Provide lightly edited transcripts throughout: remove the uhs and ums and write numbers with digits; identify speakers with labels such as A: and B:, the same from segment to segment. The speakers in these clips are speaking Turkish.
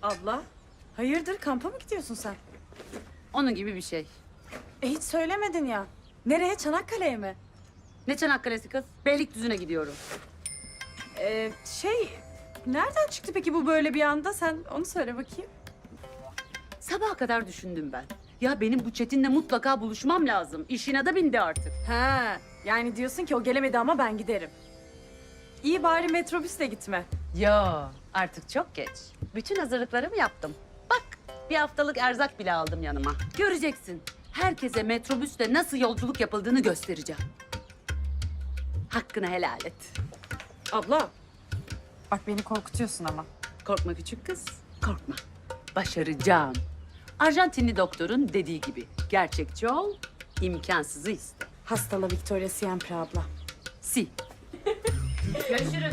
A: Abla, hayırdır kampa mı gidiyorsun sen?
B: Onun gibi bir şey.
A: Hiç söylemedin ya. Nereye, Çanakkale'ye mi?
B: Ne Çanakkale'si kız? Beylikdüzü'ne gidiyorum.
A: Nereden çıktı peki bu böyle bir anda? Sen onu söyle bakayım.
B: Sabaha kadar düşündüm ben. Ya benim bu Çetin'le mutlaka buluşmam lazım. İşine de bindi artık.
A: Ha, yani diyorsun ki o gelemedi ama ben giderim. İyi bari metrobüsle gitme.
B: Ya artık çok geç. Bütün hazırlıklarımı yaptım. Bak bir haftalık erzak bile aldım yanıma. Göreceksin. Herkese metrobüsle nasıl yolculuk yapıldığını göstereceğim. Hakkını helal et.
A: Abla, bak beni korkutuyorsun ama.
B: Korkma küçük kız, korkma. Başaracağım. Arjantinli doktorun dediği gibi gerçekçi ol, imkansızı iste.
A: Hastala Victoria Siempre abla.
B: Si. Görüşürüz.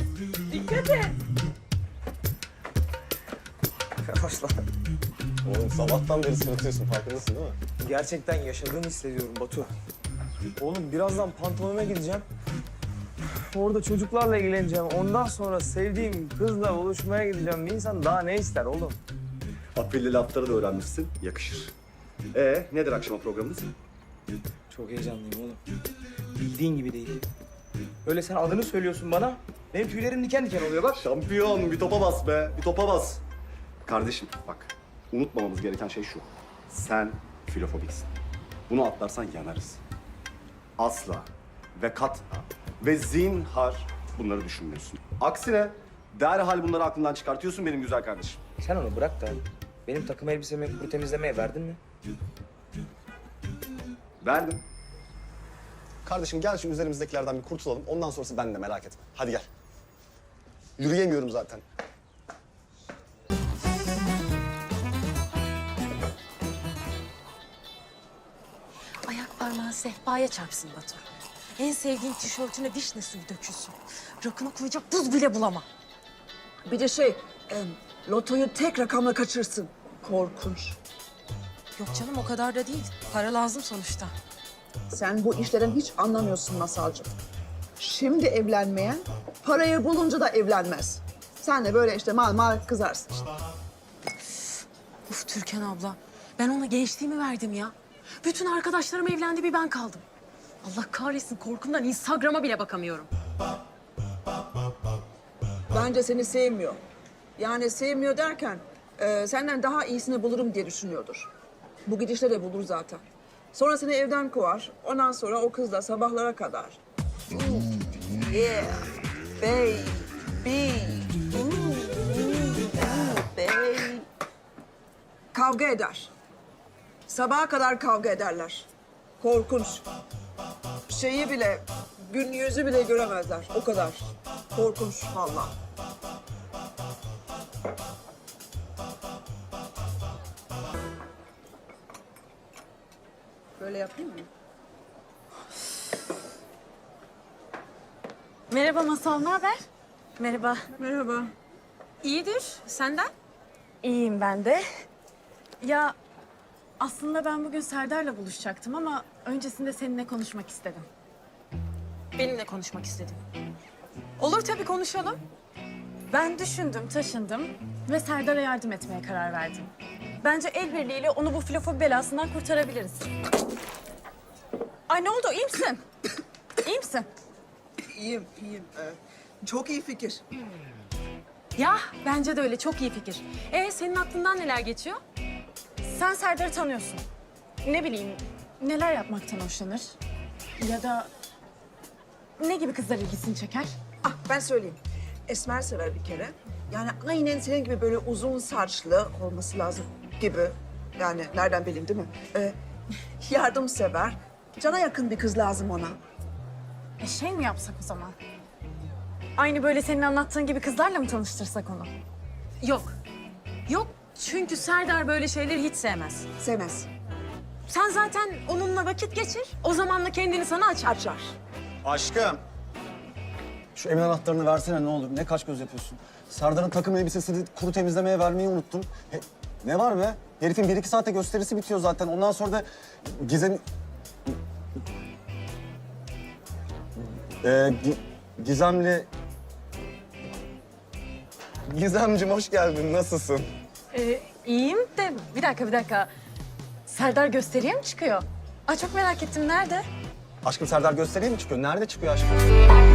C: Yavaş lan.
D: Oğlum sabahtan beri sırıtıyorsun, farkındasın değil mi?
C: Gerçekten yaşadığımı hissediyorum Batu. Oğlum birazdan pantomime gideceğim. Orada çocuklarla ilgileneceğim. Ondan sonra sevdiğim kızla buluşmaya gideceğim. Bir insan daha ne ister oğlum?
D: Afilli lafları da öğrenmişsin, yakışır. Nedir akşama programınız?
C: Çok heyecanlıyım oğlum. Bildiğin gibi değil. Öyle sen adını söylüyorsun bana. Benim tüylerim diken diken oluyor bak.
D: Şampiyon, bir topa bas be, bir topa bas. Kardeşim bak, unutmamamız gereken şey şu. Sen filofobiksin. Bunu atlarsan yanarız. Asla ve kat'a ve zinhar bunları düşünmüyorsun. Aksine derhal bunları aklından çıkartıyorsun benim güzel kardeşim.
C: Sen onu bırak da benim takım elbisemi kuru temizlemeye verdin mi?
D: Verdim. Kardeşim gel şu üzerimizdekilerden bir kurtulalım. Ondan sonrası bende, merak etme. Hadi gel. Yürüyemiyorum zaten.
E: Ayak parmağın sehpaya çarpsın Batu. En sevdiğin tişörtüne vişne suyu dökülsün. Rakına koyacak buz bile bulama.
F: Bir de lotoyu tek rakamla kaçırsın. Korkunç.
E: Yok canım o kadar da değil. Para lazım sonuçta.
F: Sen bu işlerden hiç anlamıyorsun Masalcığım. Şimdi evlenmeyen parayı bulunca da evlenmez. Sen de böyle işte mal kızarsın işte.
E: Uf Türkan abla. Ben ona gençliğimi verdim ya. Bütün arkadaşlarım evlendi bir ben kaldım. Allah kahretsin korkumdan Instagram'a bile bakamıyorum.
F: Bence seni sevmiyor. Yani sevmiyor derken senden daha iyisini bulurum diye düşünüyordur. Bu gidişle de bulur zaten. Sonra seni evden kovar. Ondan sonra o kızla sabahlara kadar. Yeah, baby. Baby. Kavga eder. Sabaha kadar kavga ederler. Korkunç. Şeyi bile, gün yüzü bile göremezler. O kadar. Korkunç vallahi. Böyle yapayım mı?
A: Merhaba Masal, ne haber? Merhaba.
F: Merhaba.
E: İyidir. Senden?
A: İyiyim ben de. Ya aslında ben bugün Serdar'la buluşacaktım ama öncesinde seninle konuşmak istedim.
E: Benimle konuşmak istedim. Olur tabii konuşalım.
A: Ben düşündüm, taşındım ve Serdar'a yardım etmeye karar verdim. Bence el birliğiyle onu bu filofobi belasından kurtarabiliriz. Ay ne oldu, iyi misin? İyi misin?
F: İyiyim. Çok iyi fikir.
E: Ya bence de öyle çok iyi fikir. Senin aklından neler geçiyor?
A: Sen Serdar'ı tanıyorsun. Ne bileyim, neler yapmaktan hoşlanır? Ya da ne gibi kızlar ilgisini çeker?
F: Ah ben söyleyeyim. Esmer sever bir kere. Yani aynen senin gibi böyle uzun saçlı olması lazım gibi. Yani nereden bileyim değil mi? Yardımsever. Cana yakın bir kız lazım ona.
A: Şey mi yapsak o zaman? Aynı böyle senin anlattığın gibi kızlarla mı tanıştırsak onu?
E: Yok. Yok çünkü Serdar böyle şeyleri hiç sevmez.
F: Sevmez.
E: Sen zaten onunla vakit geçir. O zamanla kendini sana açar.
F: Açar.
D: Aşkım.
G: Şu evin anahtarını versene ne olur. Ne kaş göz yapıyorsun. Serdar'ın takım elbisesini kuru temizlemeye vermeyi unuttun. Ne var be? Herifin 1-2 saate gösterisi bitiyor zaten. Ondan sonra da Gizem... Gizemli... Gizemciğim hoş geldin. Nasılsın?
A: İyiyim de bir dakika. Serdar gösteriye mi çıkıyor? Aa, çok merak ettim. Nerede?
G: Aşkım Serdar gösteriye mi çıkıyor? Nerede çıkıyor aşkım?